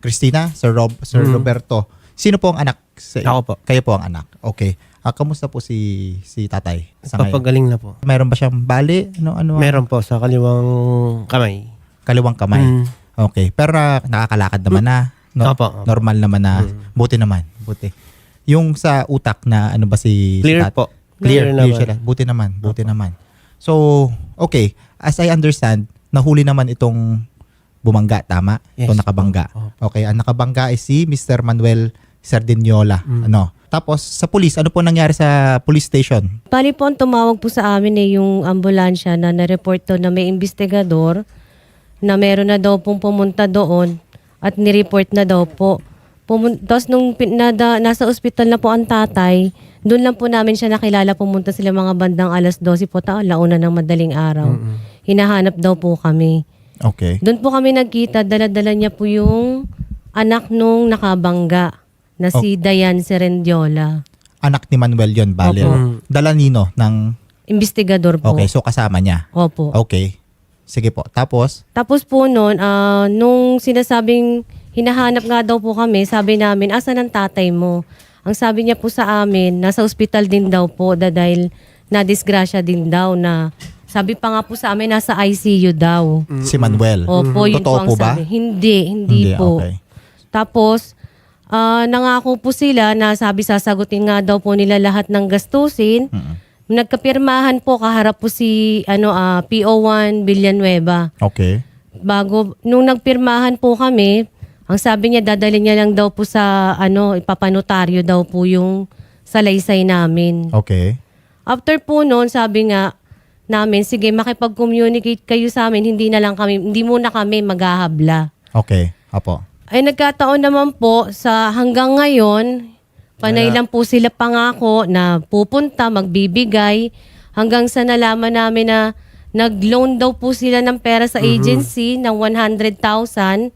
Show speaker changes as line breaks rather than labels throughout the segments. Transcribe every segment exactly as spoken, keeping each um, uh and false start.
Christina, Sir Rob, Sir
Mm.
Roberto. Sino po ang anak? Sa,
Ako po.
Kayo po ang anak. Okay. Ah, kamusta po si si tatay sa ngayon?
Papagaling na po.
Meron ba siyang bali? Ano ano?
Meron po sa kaliwang kamay.
Kaliwang kamay.
Mm.
Okay. Pero ah, nakakalakad naman na. No?
Opo, opo.
Normal naman na.
Mm.
Buti naman. Buti. Yung sa utak na ano ba si si
Clear
tat-
po.
Clear,
Clear
clear
naman.
sila. Buti naman. Buti naman. So, okay. As I understand, nahuli naman itong bumangga, tama?
Yes.
Itong nakabangga.
Opo.
Okay. Ang nakabangga ay si Mister Manuel Sardiniola.
Mm.
Ano? Tapos, sa police, ano po nangyari sa police station?
Bali po, ang tumawag po sa amin eh, yung ambulansya na na-report to na may investigador na meron na daw pong pumunta doon at nireport na daw po. Pumun- Tapos nung pin- nada, nasa ospital na po ang tatay, doon lang po namin siya nakilala, pumunta sila mga bandang alas dose po taon, launa ng madaling araw. Hinahanap daw po kami.
Okay.
Doon po kami nagkita, dala-dala niya po yung anak nung nakabangga na si Dayan Serendiola.
Anak ni Manuel yon, bale.
Opo.
Dala nino ng...
Investigador po.
Okay, so kasama niya.
Opo.
Okay. Sige po. Tapos,
Tapos po noon, ah, nung sinasabing hinahanap nga daw po kami, sabi namin, asan ang tatay mo? Ang sabi niya po sa amin, nasa ospital din daw po da- dahil na-disgrasya din daw na sabi pa nga po sa amin, nasa I C U daw.
si Manuel.
Opo, yun
Totoo
po ang
po ba?
sabi. Hindi, hindi, po.
Okay.
Tapos, ah, nangako po sila na sabi sasagutin nga daw po nila lahat ng gastusin.
Mm-mm.
Nagkapirmahan po, kaharap po si ano, ah, P O one Villanueva.
Okay.
Bago, nung nagpirmahan po kami, ang sabi niya, dadalhin niya lang daw po sa, ano, ipapanotaryo daw po yung salaysay namin.
Okay.
After po noon, sabi nga namin, sige, makipag-communicate kayo sa amin, hindi na lang kami, hindi muna kami maghahabla.
Okay. Apo.
Ay nagkataon naman po sa hanggang ngayon, panay lang po sila pangako na pupunta, magbibigay, hanggang sa nalaman namin na nag-loan daw po sila ng pera sa agency ng one hundred thousand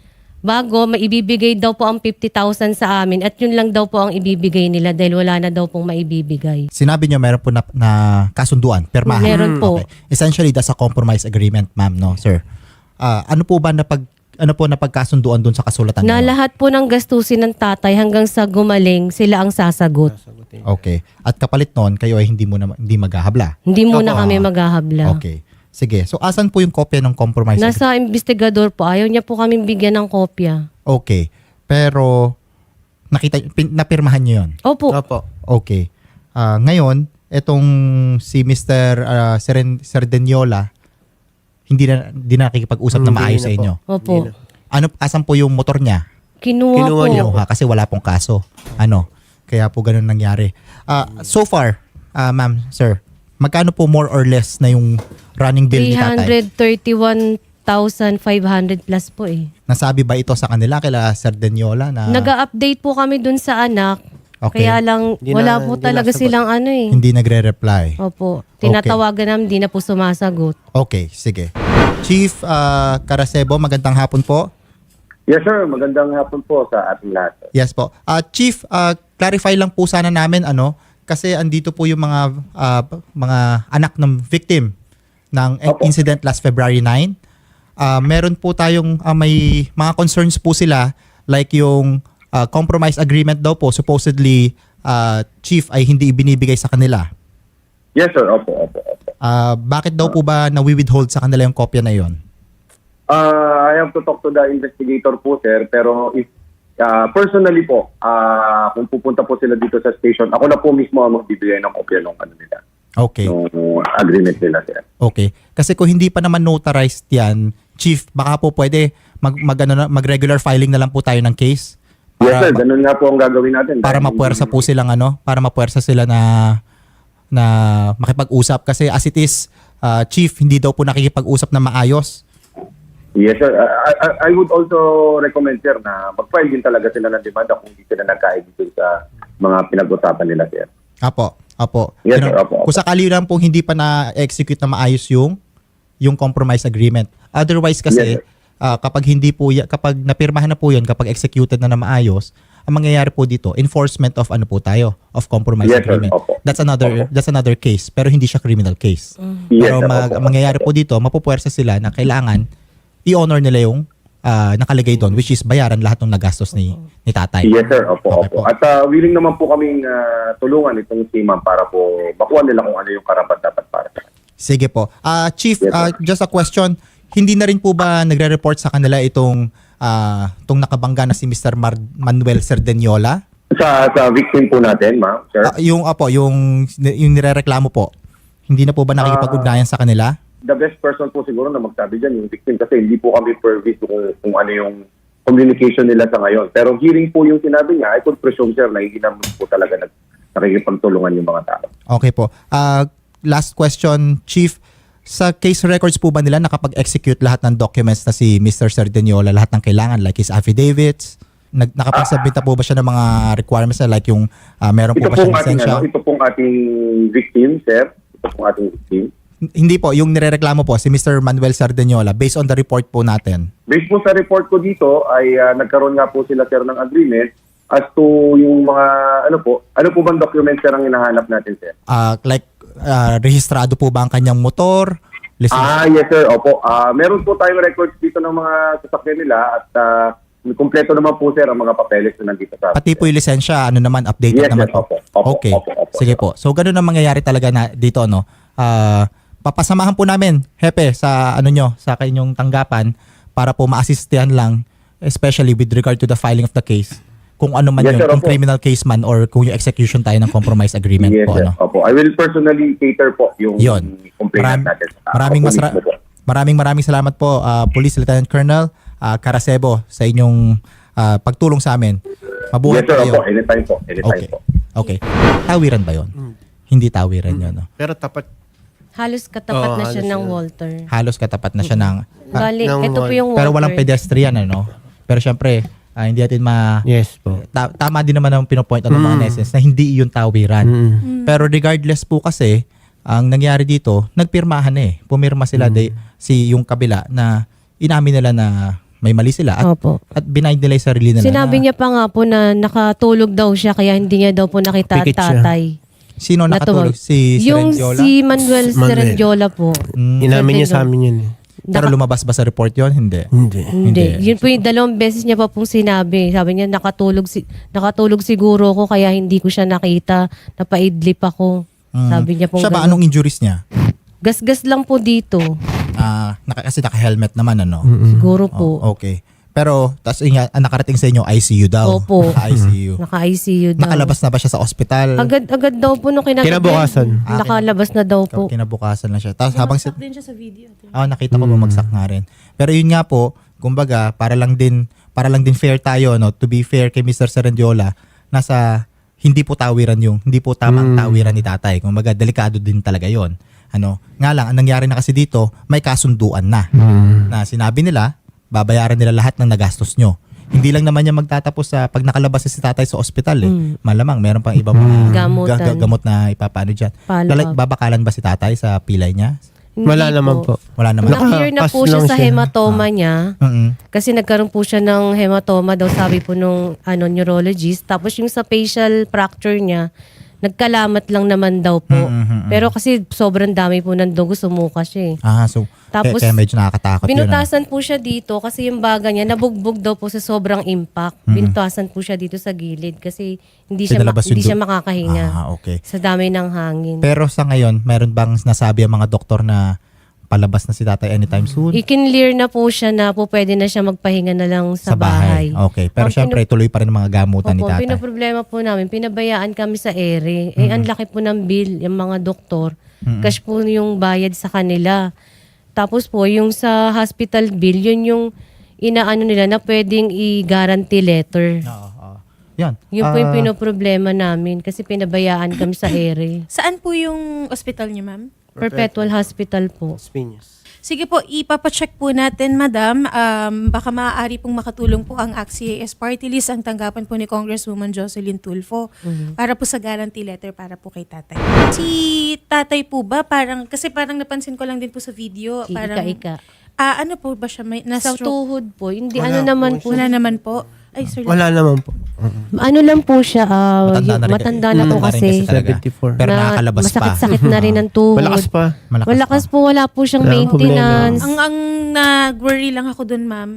bago maibibigay daw po ang fifty thousand sa amin at yun lang daw po ang ibibigay nila dahil wala na daw pong maibibigay.
Sinabi niyo meron po na, na kasunduan, permahan.
Meron po.
Okay. Essentially, that's a compromise agreement, ma'am, no, sir? Ah, ano po ba napag ano po napagkasunduan doon sa kasulatan
Na
niyo?
lahat po ng gastusin ng tatay hanggang sa gumaling, sila ang sasagot.
Sagutin.
Okay. At kapalit noon, kayo ay hindi mo na, hindi maghahabla.
Hindi muna
Opo.
kami maghahabla.
Okay. Sige. So, asan po yung kopya ng compromise agreement?
Nasa investigador po. Ayaw niya po kaming bigyan ng kopya.
Okay. Pero, nakita, pin, napirmahan niyo yun?
Opo.
Opo.
Okay. Ah, ngayon, etong si Mister ah, Seren, Serdeniola, hindi na, hindi na nakikipag-usap na
Hindi
maayos
na
sa
po.
inyo.
Opo.
Hindi na.
Ano, asan po yung motor niya?
Kinuha,
Kinuha
po.
niya
Kinuha kasi wala pong kaso. Ano? Kaya po ganun nangyari. Ah, so far, ah, ma'am, sir, magkano po more or less na yung running bill ni
three
tatay?
hundred thirty-one thousand five hundred plus po eh.
Nasabi ba ito sa kanila, kila Serdeniola na
Nag-update po kami dun sa anak.
Okay.
Kaya lang,
Hindi
wala
na-
po
hindi
talaga
nasagot.
silang ano eh.
hindi nagre-reply?
Opo. Tinatawagan namin, hindi na po sumasagot.
Okay, sige. Chief ah, Caracebo, magandang hapon po.
Yes sir, magandang hapon po sa ating lahat.
Yes po. Ah, Chief, ah, clarify lang po sana namin ano kasi andito po yung mga ah, mga anak ng victim ng
Opo.
incident last February nine. Ah, meron po tayong ah, may mga concerns po sila like yung ah, compromise agreement daw po supposedly ah, Chief ay hindi ibinibigay sa kanila.
Yes sir, opo, opo, opo.
Ah, bakit daw po ba nawi-withhold sa kanila yung kopya na yon?
Uh, I have to talk to the investigator po sir, pero if uh, personally po, uh, kung pupunta po sila dito sa station, ako na po mismo ang magbibigay ng kopya ng ano nila,
Okay.
ng agreement nila sir.
Okay. Kasi kung hindi pa naman notarized yan, Chief, baka po pwede mag, mag, ano, na- mag-regular filing na lang po tayo ng case.
Yes sir, ganun nga po ang gagawin natin.
Para
Dahil-
mapuwersa po silang ano, para mapuwersa sila na na makipag-usap kasi as it is, uh, Chief, hindi daw po nakikipag-usap na maayos.
Yes sir, I, I, I would also recommend sir na mag-file din talaga sila ng demanda kung hindi sila nagkaibig sa mga pinag-usapan nila sir.
Apo, apo.
Yes,
Yun,
sir. Apo, apo.
Kung sakali lang po hindi pa na-execute na maayos yung yung compromise agreement. Otherwise kasi
Yes, sir.
ah, kapag hindi po ya- kapag napirmahan na po 'yon, kapag executed na na maayos, ang mangyayari po dito, enforcement of ano po tayo, of compromise
Yes, sir.
agreement.
Opo.
That's another
Opo.
that's another case, pero hindi siya criminal case.
Yes,
Pero
sir.
mag,
Opo.
ang mangyayari po dito, mapupuwersa sila na kailangan i-honor nila yung ah, nakalagay doon, which is bayaran lahat ng nagastos ni, ni tatay.
Yes, sir. Opo,
Okay
opo.
po.
At ah, willing naman po kaming ah, tulungan itong si ma'am para po makuha nila kung ano yung karapat dapat para sa kanila.
Sige po. Ah, Chief,
Yes,
ah,
sir.
just a question. Hindi na rin po ba nagre-report sa kanila itong ah, itong nakabangga na si Mister Mar- Manuel Cerdeniola?
Sa, sa victim po natin, ma'am, sir.
Ah, yung apo, yung yung nirereklamo po. Hindi na po ba nakikipag-ugnayan sa kanila?
The best person po siguro na magsabi dyan yung victim kasi hindi po kami privy to kung, kung ano yung communication nila sa ngayon. Pero hearing po yung sinabi niya, I could presume, sir, na hindi naman po talaga nag, nakikipagtulungan yung mga tao.
Okay po. Ah, last question, Chief. Sa case records po ba nila nakapag-execute lahat ng documents na si Mister Cerdeniola, lahat ng kailangan like his affidavits? Nag nakapag-submit na po ba siya ng mga requirements na like yung ah, meron po
Ito
ba siya
pong ating,
lisensya?
ano, ito pong ating victim, sir. Ito pong ating victim.
Hindi po, yung nirereklamo po si Mister Manuel Cerdeniola based on the report po natin.
Based po sa report ko dito ay ah, nagkaroon nga po sila, sir, ng agreement as to yung mga, ano po, ano po bang documents, sir, ang hinahanap natin, sir?
Ah, like ah, rehistrado po ba ang kanyang motor? Listen-
Ah, yes, sir. Opo. Ah, meron po tayong records dito ng mga sasakyan nila at ah, kumpleto naman po, sir, ang mga papeles na nandito sa
Pati po yung lisensya, ano naman, updated
Yes,
naman
yes,
po.
opo, opo,
Okay,
opo, opo.
sige po. So, ganun ang mangyayari talaga na dito, no? Ah, papasamahan po namin, Hepe, sa ano nyo, sa kanyong tanggapan para po ma-assistihan lang, especially with regard to the filing of the case. Kung ano man
Yes,
yun,
sir,
kung
opo.
criminal case man or kung yung execution tayo ng compromise agreement
Yes,
po,
sir.
ano?
Opo. I will personally cater po yung
Yun.
complaint
Maram-
natin. sa-
maraming,
opo,
masra-
mismo po.
maraming maraming salamat po, ah, Police Lieutenant Colonel ah, Caracebo, sa inyong ah, pagtulong sa amin. Mabuhay
Yes,
po
sir.
kayo.
Opo. Anytime po. Anytime
Okay.
po.
Okay. Tawiran ba yon? Hindi tawiran yun, no?
Pero tapat.
Halos katapat
Oo,
na siya
halos
ng
yun.
Walter.
Halos katapat na siya ng... ah,
Bali,
ng
ito po
Wal-
yung Walter.
pero walang pedestrian, ano? Pero syempre, ah, hindi natin ma...
Yes po.
Ta- tama din naman ang pinopoint out ng mga
Mm.
netizens na hindi yun tawiran.
Mm.
Pero regardless po kasi, ang nangyari dito, nagpirmahan eh. Pumirma sila de, si yung kabila na inamin nila na may mali sila at,
Opo.
at binayd nila yung sarili nila.
Sinabi
na,
niya pa nga po na nakatulog daw siya kaya hindi niya daw po nakita
Pikit siya.
tatay.
Sino
Na
nakatulog?
tumawag.
Si
Yung
Cerendiola?
si Manuel
Manuel.
Cerendiola po.
Mm,
Inamin niya sa amin yun eh.
pero lumabas ba sa report yon? Hindi.
Hindi.
Hindi.
Hindi.
Yun po yung dalawang beses niya pa pong sinabi. Sabi niya, nakatulog, si nakatulog siguro ko kaya hindi ko siya nakita. Napaidlip ako.
Mm.
Sabi niya po.
Siya ba, anong injuries niya?
Gasgas lang po dito.
Ah, naka, kasi naka-helmet naman, ano?
Siguro po.
Oh, okay. Pero, tas inga, ang nakarating sa inyo, I C U daw.
Opo.
I C U.
Naka-I C U daw.
Nakalabas na ba siya sa ospital?
Agad-agad daw po nung kinagabi.
Kinabukasan.
Ah,
Nakalabas na daw po.
Kinabukasan lang siya. Tapos habang si...
din siya sa video.
Ah, nakita ko bumagsak nga rin. Pero yun nga po, kumbaga, para lang din para lang din fair tayo, no? To be fair kay Mister Cerendiola, nasa hindi po tawiran yung, hindi po tamang tawiran ni tatay. Kumbaga, delikado din talaga yon. Ano, nga lang, ang nangyari na kasi dito, may kasunduan na. Na sinabi nila, babayaran nila lahat ng nagastos nyo. Hindi lang naman niya magtatapos sa pag nakalabas si tatay sa ospital eh. Malamang meron pang ibang mga
Gamutan.
ga- ga- gamot na ipapaano dyan.
Follow
Lala-
up.
babakalan ba si tatay sa pilay niya?
Hindi
Wala naman po.
Wala naman.
Na-clear na po
Nakapas
siya
lang
sa
siya.
hematoma niya.
Mm-mm.
Kasi nagkaroon po siya ng hematoma daw sabi po nung ano, neurologist. Tapos yung sa facial fracture niya, nagkalamat lang naman daw po.
Mm-mm.
Pero kasi sobrang dami po ng dugo, sumuka siya eh.
Ah, so
Tapos,
kaya, kaya medyo nakakatakot yun. ah.
Binutasan po siya dito kasi yung baga niya nabugbog daw po sa sobrang impact. Binutasan po siya dito sa gilid kasi hindi siya ma-
Pinalabas yung
hindi siya
dug-
makakahinga
Ah, okay.
sa dami ng hangin.
Pero sa ngayon, meron bang nasabi ang mga doktor na palabas na si tatay anytime soon?
I-clear na po siya na po pwede na siya magpahinga na lang sa, bahay.
Okay. Pero
Ang
syempre, tuloy pa rin ang mga gamutan ni
Opo,
tatay.
pinaproblema po namin, pinabayaan kami sa ere. Eh, ang laki po ng bill, yung mga doktor. Cash po yung bayad sa kanila. Tapos po, yung sa hospital bill, yun yung inaano nila na pwedeng i-guarantee letter.
Oo, oo. Yan.
Yun po yung
Ah,
pinoproblema namin kasi pinabayaan kami sa ere.
Saan po yung ospital niyo, ma'am?
Perpetual Hospital po.
Spinyas.
Sige po, ipapacheck po natin, madam. Um, baka maaari pong makatulong po ang A C C A S Party List, ang tanggapan po ni Congresswoman Jocelyn Tulfo para po sa guarantee letter para po kay tatay. Si tatay po ba, parang, kasi parang napansin ko lang din po sa video, parang,
Ika-ika.
ah ano po ba siya, may
Sa
na-stroke?
tuhod po, hindi
Wala
ano
po
naman po.
Wala naman po. Ay, sir.
Wala naman po.
Ano lang po siya, ah,
Matanda
yung-
na rin-
matanda na po
matanda rin
kasi.
kasi talaga.
seventy-four.
Pero
na
nakakalabas pa.
masakit-sakit na rin ang tuhod.
Malakas pa.
Malakas
Malakas
pa.
po, wala po siyang
Wala akong
maintenance.
Ang ang nag-worry lang ako dun, ma'am.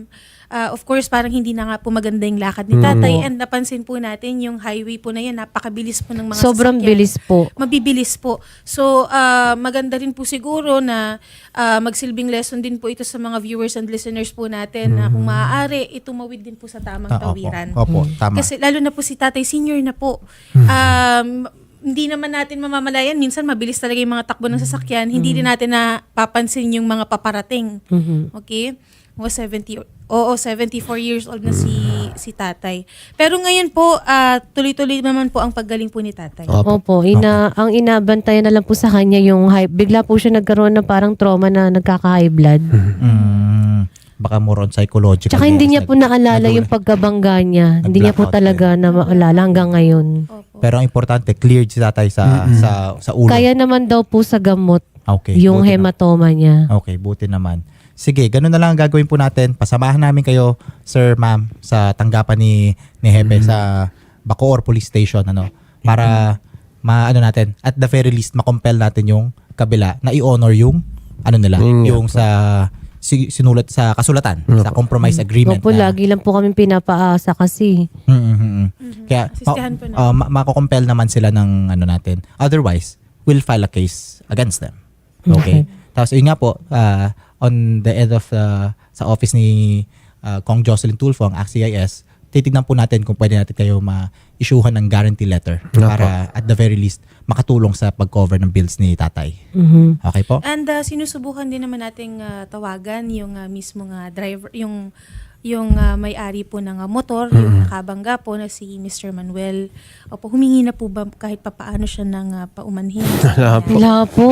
ah, of course, parang hindi na nga po maganda yung lakad ni tatay. And napansin po natin yung highway po na yun, napakabilis po ng mga
Sobrang
sasakyan.
bilis po.
Mabibilis po. So, ah, maganda rin po siguro na ah, magsilbing lesson din po ito sa mga viewers and listeners po natin na kung maaari, itumawid din po sa tamang
Ah, opo.
tawiran.
Opo, tama.
Kasi lalo na po si tatay, senior na po. Um, hindi naman natin mamamalayan. Minsan mabilis talaga yung mga takbo ng sasakyan. Hindi din natin napapansin yung mga paparating. Okay? Mga seventy, oo, seventy-four years old na si si tatay. Pero ngayon po, ah, tuloy-tuloy naman po ang paggaling po ni tatay.
Opo, ina ang inabantayan na lang po sa kanya yung high, bigla po siya nagkaroon ng parang trauma na nagkaka-high blood.
Mm, baka more on psychological.
Tsaka hindi
yes,
niya po
nag-
naalala
nag-
yung pagkabangga niya. Hindi niya po
Nag-blackout
talaga na maalala hanggang ngayon.
Opo.
Pero ang importante, cleared si tatay sa sa sa ulo.
Kaya naman daw po sa gamot
Okay,
yung
buti
hematoma niya.
Okay, buti naman. Sige, ganun na lang ang gagawin po natin. Pasamahan namin kayo, sir, ma'am, sa tanggapan ni ni Hepe sa Bacoor Police Station, ano, para maano natin, at the very least makompel natin yung kabila na i-honor yung ano nila,
Yun nga
yung sa si- sinulat sa kasulatan, sa compromise agreement.
Opo,
na-
lagi lang po kami pinapaasa kasi.
Mm, mm, mm, mm. Kaya
Asistihan po
uh, ma- mako-compel naman sila ng ano natin. Otherwise, we'll file a case against them. Okay. Tapos yun nga po, uh, on the end of uh, sa office ni uh, Kong Jocelyn Tulfo, ang A C I S, titignan po natin kung pwede natin kayo ma-issuehan ng guarantee letter para at the very least makatulong sa pag-cover ng bills ni tatay.
Mhm.
Okay po?
And uh, sinusubukan din naman nating uh, tawagan yung uh, mismo nga driver, yung yung uh, may-ari po ng uh, motor, yung nakabangga po na si Mister Manuel. Opo, humingi na po ba kahit papaano siya ng uh, paumanhin?
Wala po.
Wala po.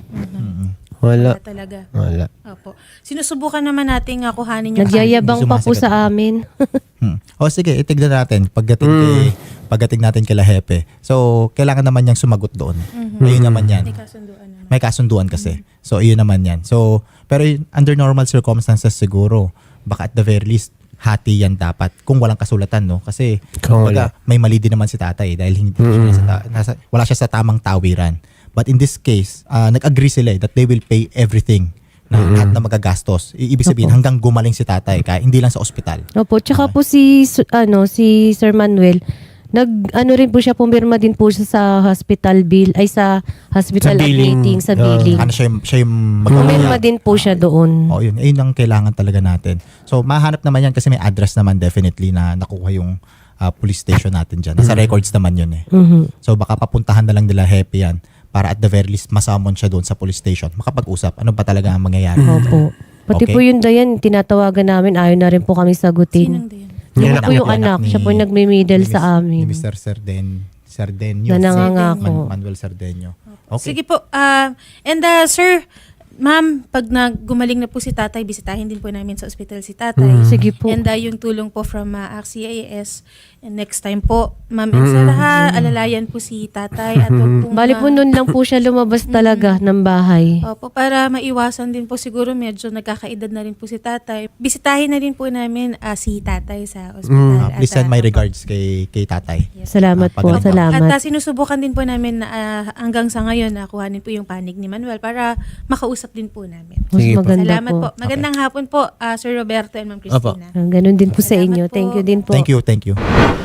Wala.
Wala talaga.
Wala.
Opo. Sinusubukan naman nating uh, kuhanin yung
Nagyayabang pa po
Sumasagot.
sa amin.
Hmm. O sige, itignan natin pagdating kay pagdating natin kay Hepe. So, kailangan naman niyang sumagot doon. Ayun naman 'yan.
May kasunduan naman.
May kasunduan kasi. So, iyon naman 'yan. So, pero y- under normal circumstances siguro, baka at the very least hati yan dapat kung walang kasulatan, no? Kasi
Kung
kumbaga,
wala.
may mali din naman si tatay dahil hindi siya nasa, ta- nasa- wala siya sa tamang tawiran. But in this case, ah, nag-agree sila eh, that they will pay everything na lahat na magagastos. I- ibig sabihin hanggang gumaling si tatay, kaya hindi lang sa ospital.
Opo, tsaka po si su- ano si Sir Manuel, nag ano rin po siya, pumirma din po siya sa hospital bill ay sa hospital
Sa billing.
admitting sa
Ah.
billing.
Ano siya yung, siya yung
Pumirma din po siya doon.
Oo, yun. Ayun ang kailangan talaga natin. So, mahanap naman yan kasi may address naman definitely na nakuha yung ah, police station natin dyan. Nasa records naman yun eh.
Mhm.
So, baka papuntahan na lang nila Hepe yan para at the very least masamon siya doon sa police station. Makapag-usap. Ano ba talaga ang mangyayari?
Opo. Pati
Okay.
po yung Dayan, tinatawagan namin, ayaw na rin po kami
Sinong
sagutin.
din?
Yung
Yung
po yung
anak
anak,
ni-
siya po yung nagme-middle
Ni
sa
Mis-
amin.
Ni Mister Sarden, Sardenio.
Na nangangako.
Man- Manuel Sardenio. Okay.
Sige po. ah, and uh, sir, ma'am, pag naggumaling na po si tatay, bisitahin din po namin sa ospital si tatay.
Sige po.
And uh, yung tulong po from uh, A C I S. And next time po, ma'am and sir, ha, alalayan po si tatay. At wag pong,
Bali po
ah,
noon lang po siya lumabas talaga ng bahay.
Opo, para maiwasan din po siguro medyo nagkakaedad na rin po si tatay. Bisitahin na rin po namin ah, si tatay sa ospital.
Ah, please
At,
send
ah,
my
opo.
regards kay kay tatay.
Salamat
Ah,
po,
pagaling.
salamat.
At uh, sinusubukan din po namin na ah, hanggang sa ngayon na kuhanin po yung panig ni Manuel para makausap din po namin.
Mas
Sige po.
maganda
Salamat po. Magandang hapon po, ah, Sir Roberto and Ma'am Christina.
Ah, ganun din po sa inyo.
Salamat po.
Thank you din po.
Thank you, thank you.